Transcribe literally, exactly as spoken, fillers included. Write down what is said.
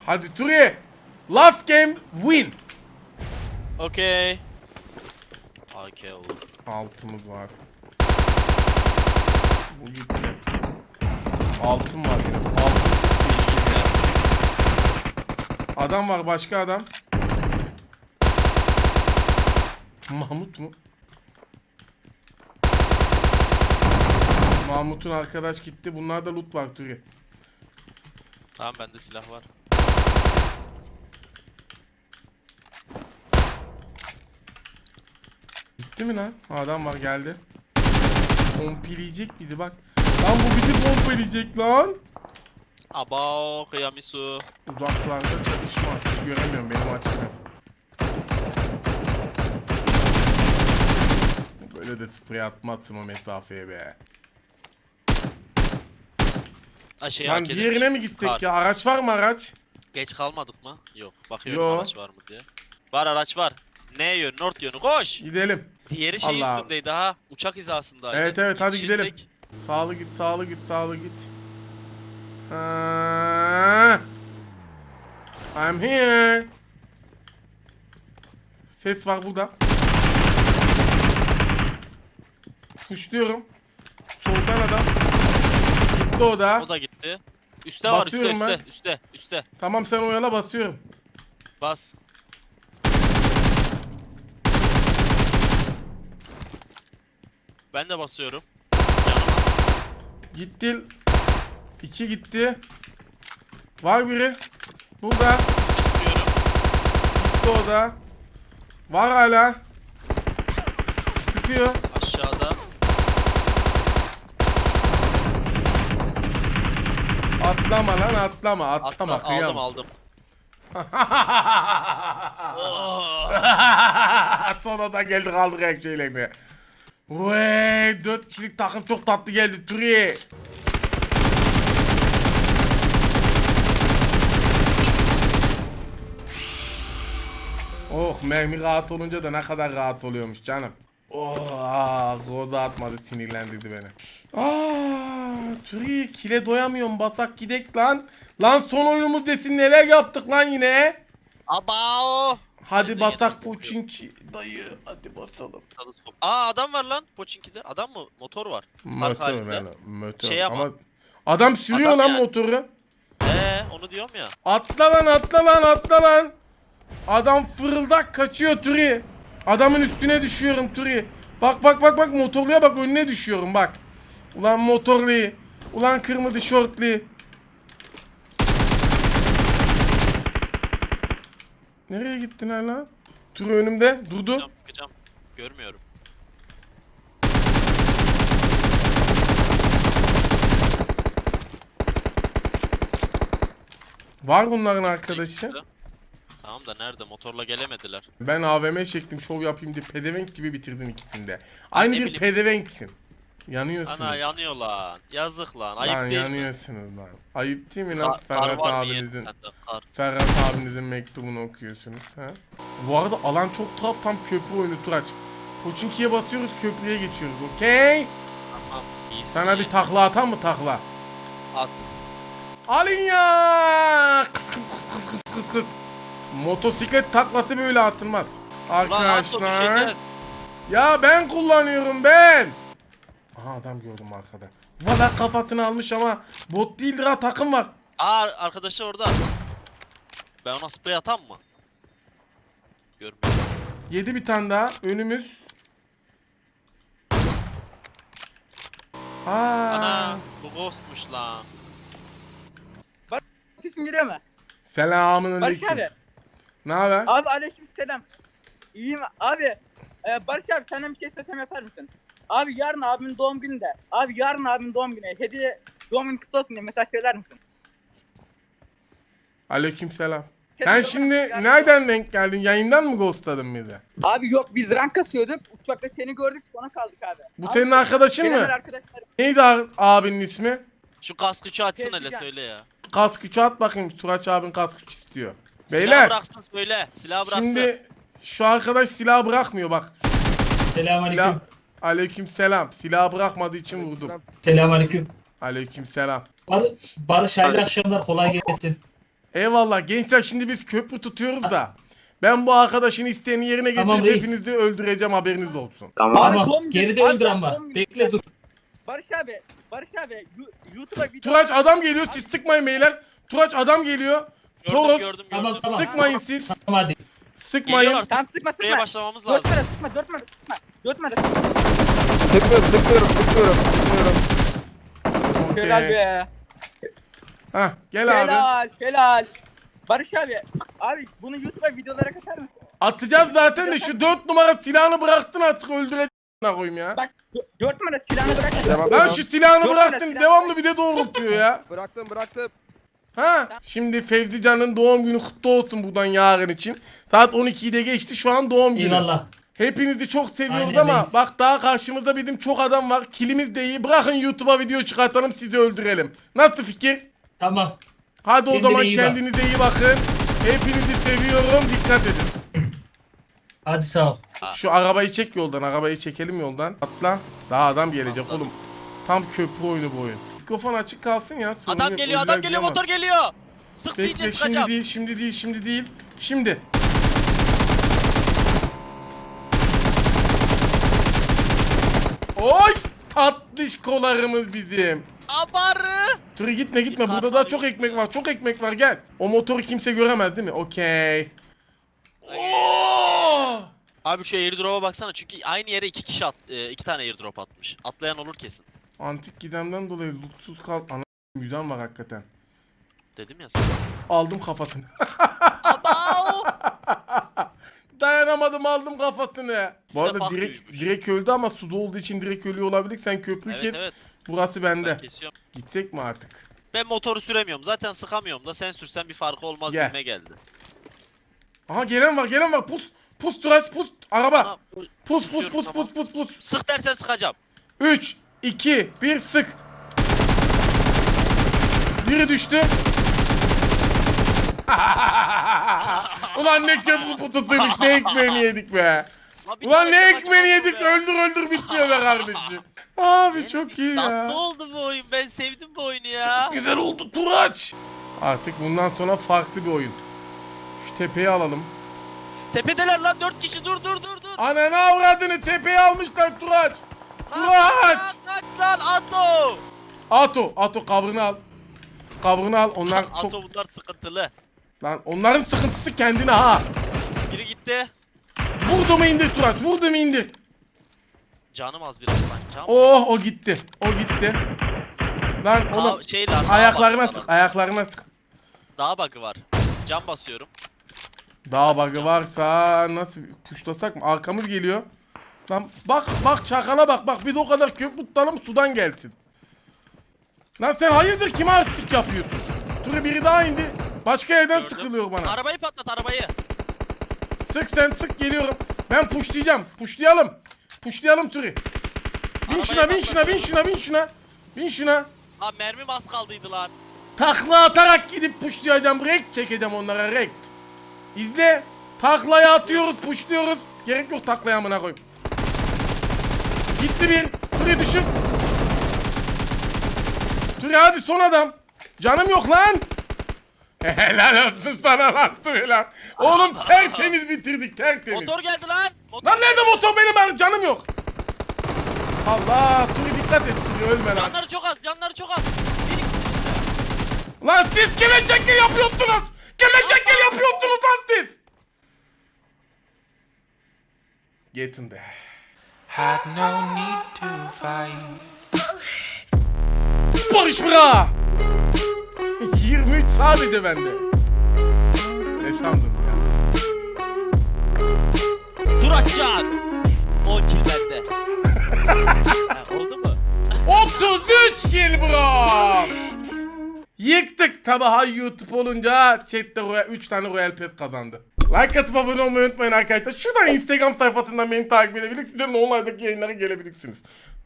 Hadi Turi. Last game win. Okay. A K olur. Altımız var. Bu gitti. Altın var yine. Altın çok iyi. Adam var, başka adam. Mahmut mu? Mahmut'un arkadaş gitti. Bunlarda loot var Turi. Tamam, bende silah var. Gitti mi lan? Adam var, geldi. Pompileyecek bizi bak. Lan bu bizi pompileyecek lan. Abao kıyamisu. Uzaklarda çatışma. Hiç göremiyorum benim açımdan. Böyle de sprey atmazsın o mesafeye be. Ha şey Lan A K diğerine demiş. mi gittik Kar. ya? Araç var mı araç? Geç kalmadık mı? Yok. Bakıyorum Yo. araç var mı diye. Var, araç var. Ne yön? North yönü. Koş. Gidelim. Diğeri şey Allah. üstündeydi ha. Uçak hizasındaydı. Evet evet hadi Yetişirsek- gidelim. Sağlı git, sağlı git, sağlı git. Ha. I'm here. Ses var burada. Kuşluyorum. Soldan adam. Gitti o da. O da gitti. Üste var, üste Basıyorum üste ben. üste üste. Tamam sen oyala, basıyorum. Bas. Ben de basıyorum. Yanıma. Gitti. İki gitti. Var biri. Burada. Tutuyorum. Gitti o da. Var hala. Sıkıyor. Aşağıda. Atlama lan, atlama. Atlama. Atla, Kıyam. aldım aldım. Oh. Sonra da geldi kaldık her şeylerine. Vay, dört kişilik takım çok tatlı geldi Turi. Oh, mermi rahat olunca da ne kadar rahat oluyormuş canım. Oh, Goda atmadı, sinirlendirdi beni. Aa, Turi, kile doyamıyorum, basak gidek lan. Lan son oyunumuz desin, neler yaptık lan yine. Abao. Hadi Yine batak yine Puçinki dayı, hadi basalım. Teleskop. Aa, adam var lan Pochinki'de. Adam mı? Motor var. Park Motor halinde. yani, motor. Şey ama- ama adam sürüyor Adam lan yani. motoru. Ee, onu diyorum ya. Atla lan, atla lan, atla lan. Adam fırıldak kaçıyor Turi. Adamın üstüne düşüyorum Turi. Bak bak bak bak, motorluya bak, önüne düşüyorum bak. Ulan motorlu. Ulan kırmızı şortlu. Nereye gittin lan? Turi önümde durdu. Sıkacağım, sıkacağım. Görmüyorum. Var bunların arkadaşı. Sıktı. Tamam da nerede? Motorla gelemediler. Ben A V M çektim, şov yapayım diye pedevenk gibi bitirdin ikisinde. Aynı ne bir bileyim. pedevenksin. Yanıyorsunuz. Ana yanıyor lan. Yazık lan. Ayıp Lan değil mi? yanıyorsunuz lan. Ayıp değil mi lan? Kar, kar Ferhat var mı yeğenim abinizin, sende? Kar. Ferhat abinizin mektubunu okuyorsunuz. Ha? Bu arada alan çok tuhaf, tam köprü oyunu Turaç. Pochinki'ye basıyoruz, köprüye geçiyoruz. Okey? Tamam. İyisin, Sana iyi. bir takla atan mı takla? At. Alın ya! Kıs kıs kıs kıs kıs kıs. Motosiklet taklası böyle atılmaz. Lan at o Arkadaşlar. düşeceğiz. Ya ben kullanıyorum ben. Aha, adam gördüm arkada. Valla kafasını almış ama bot değildir ha, takım var. Aa, arkadaşı orada. Ben ona sprey atam mı? Görmüyorum. Yedi bir tane daha önümüz. Aa. Ana, bu ghostmuş lan. Sesim geliyor mu? Selamun Barış aleyküm. abi. Ne haber? Abi aleykümselam. İyiyim abi. Ee, Barış abi senden bir şey istesem yapar mısın? Abi yarın abimin doğum günü de. Abi yarın abimin doğum günü. Hediye doğum günü kutlu olsun diye mesaj söyler misin? Aleyküm selam. Sen Sen de şimdi yarın- nereden denk geldin? Yayından mı ghostladın bizi? Abi yok biz rank kasıyorduk. Uçakta seni gördük sonra kaldık abi. Bu Abi, senin arkadaşın benim mı? arkadaşlarım. Neydi a- abinin ismi? Şu kaskıçı açsın hele Tezgah. söyle ya. Kask üçü at bakayım. Turaç abin kask üç istiyor. Silah Beyler bıraksın söyle. Silah bıraksın. şimdi şu arkadaş silah bırakmıyor bak. Silah... Selamünaleyküm. Aleyküm selam. Silah bırakmadığı için vurdum. Selamünaleyküm. Aleyküm selam. Bar Barış hayırlı akşamlar, kolay gelsin. Eyvallah gençler, şimdi biz köprü tutuyoruz da. Ben bu arkadaşın isteğini yerine getirip Tamam, reis. hepinizi öldüreceğim, haberiniz olsun. Abi, Tamam. doğum günü- Geride abi, öldür ama. doğum günü- Bekle dur. Barış abi, Barış abi Yu- YouTube'a video... Turaç adam geliyor, siz sıkmayın beyler. Turaç adam geliyor. Gördüm Toros gördüm gördüm. Tamam, tamam. sıkmayın siz. Tamam hadi. Sıkmayın. Geliyorlar. Tamam sıkma Spreye sıkma. başlamamız Dört lazım. numara sıkma, dört numara sıkma. Dört numara sıkma. Sıkmıyorum, sıkmıyorum, sıkmıyorum, sıkmıyorum. Okey. Helal be. Hah gel abi. Helal, helal. Barış abi, abi bunu YouTube'a videolara katar mısın? Atacağız zaten de şu dört numara silahını bıraktın artık, öldüreceğim koyayım ya. Bak, dö- dört numara silahını bırak. Devam, Lan devam. şu silahını Dört bıraktın, numara devamlı bir de doğrultuyor ya. Bıraktım, bıraktım. Ha, şimdi Fevzi Can'ın doğum günü kutlu olsun buradan yarın için. Saat on ikiyi de geçti, şu an doğum günü. Eyvallah. Hepinizi çok seviyoruz Aynen ama reis. bak daha karşımızda bizim çok adam var. Kilimiz de iyi. Bırakın YouTube'a video çıkartalım, sizi öldürelim. Nasıl fikir? Tamam. Hadi o Kendine zaman iyi bak. kendinize iyi bakın. Hepinizi seviyorum. Dikkat edin. Hadi sağ ol. Şu arabayı çek yoldan. Arabayı çekelim yoldan. Atla. Daha adam gelecek Atla. oğlum. Tam köprü oyunu bu oyun. Mikrofon açık kalsın ya. sorun Adam yok, geliyor, öldüler adam geliyor, diyemez. motor geliyor. Sık deyince Bekle, şimdi sıkacağım. değil, şimdi değil, şimdi değil. Şimdi. Oy! Tatlış kolarımız bizim. Abarı. Dur gitme gitme. Yukarı Burada daha var, çok yukarı. ekmek var. Çok ekmek var, gel. O motoru kimse göremez değil mi? Okey. Oo! Abi şu airdrop'a baksana çünkü aynı yere iki kişi at, e, iki tane airdrop atmış. Atlayan olur kesin. Antik gidemden dolayı lootsuz kal. Ana müzen var hakikaten. Dedim ya sana. Aldım kafasını. Abao. Dayanamadım, aldım kafasını. Bu arada fark direkt, büyümüş. direkt öldü ama suda olduğu için direkt ölüyor olabilir. Sen köprüyü Evet kes. evet. Burası Ben bende. kesiyorum. Gidecek mi artık? Ben motoru süremiyorum. Zaten sıkamıyorum da sen sürsen bir farkı olmaz Gel. gibime geldi. Aha gelen var, gelen var. Pus. Pus Turaç, pus. Araba. Bana- Pus pus Pusuyorum, pus tamam. pus pus pus. Sık dersen sıkacağım. üç, iki, bir sık. Biri düştü. Ulan ne köprü putusuymuş, ne ekmeğini yedik be. Lan bir Ulan tane ne de ekmeğini maç yedik, oldu ya. öldür öldür bitmiyor be kardeşim. Abi çok iyi ya. Tatlı oldu bu oyun. Ben sevdim bu oyunu ya. Güzel oldu Turaç. Artık bundan sonra farklı bir oyun. Şu tepeyi alalım. Tepedeler lan dört kişi. Dur dur dur dur. Ananı avradını, tepeye almışlar Turaç. Lan, Turaç. lan, lan, lan Ato. Ato, Ato kavrını al. Kavrını al. Onlar çok... Ato bunlar sıkıntılı. Lan onların sıkıntısı kendine ha. Biri gitti. Vurdu mu indir Turaç, vurdu mu indir. Canım az biraz sanki ama. Oh, o gitti. O gitti. Lan Aa, oğlum şey lan. ayaklarına sık, ayaklarına sık. Daha bug'ı var. Cam basıyorum. Daha bug'ı varsa nasıl kuşlasak mı? Arkamız geliyor. Lan bak bak çakala bak bak, biz o kadar köprü tutalım sudan gelsin. Lan sen hayırdır, kime artistik yapıyorsun? Dur biri daha indi. Başka yerden Gördüm. sıkılıyor bana. Arabayı patlat arabayı. Sık sen sık, geliyorum. Ben pushlayacağım. Pushlayalım. Pushlayalım Turi. Bin Arabayı şuna bin şuna bin patlatıyorum. şuna bin şuna. Bin şuna. Lan mermim az kaldıydı lan. Takla atarak gidip pushlayacağım. Rekt çekeceğim onlara, rekt. İzle. Taklaya atıyoruz, pushluyoruz. Gerek yok taklaya, amına koyayım. Gitti bir. Turi düşün. Turi hadi, son adam. Canım yok lan. Helal olsun sana lan Turi lan. Oğlum tertemiz bitirdik, tertemiz. Motor geldi lan. Motor Lan nerede motor benim, ben canım yok. Allah, Turi dikkat et Turi, ölme lan. Canları çok az. Canları çok az. Bir ikisi. Lan siz kime şekil yapıyorsunuz? Kime şekil yapıyorsunuz lan siz? Yetin de. Had no need to fight. Barış bıra. yirmi üç sadece bende. Ne sandın ya? Turakcan. on kill bende. Ha, oldu mu? otuz üç kill bro. Yıktık tabi, hay YouTube olunca chatte Royal, üç tane Royal Pass kazandı. Like atıp abone olmayı unutmayın arkadaşlar. Şuradan Instagram sayfasından beni takip edebilirsiniz. Online'daki yayınlara gelebilirsiniz.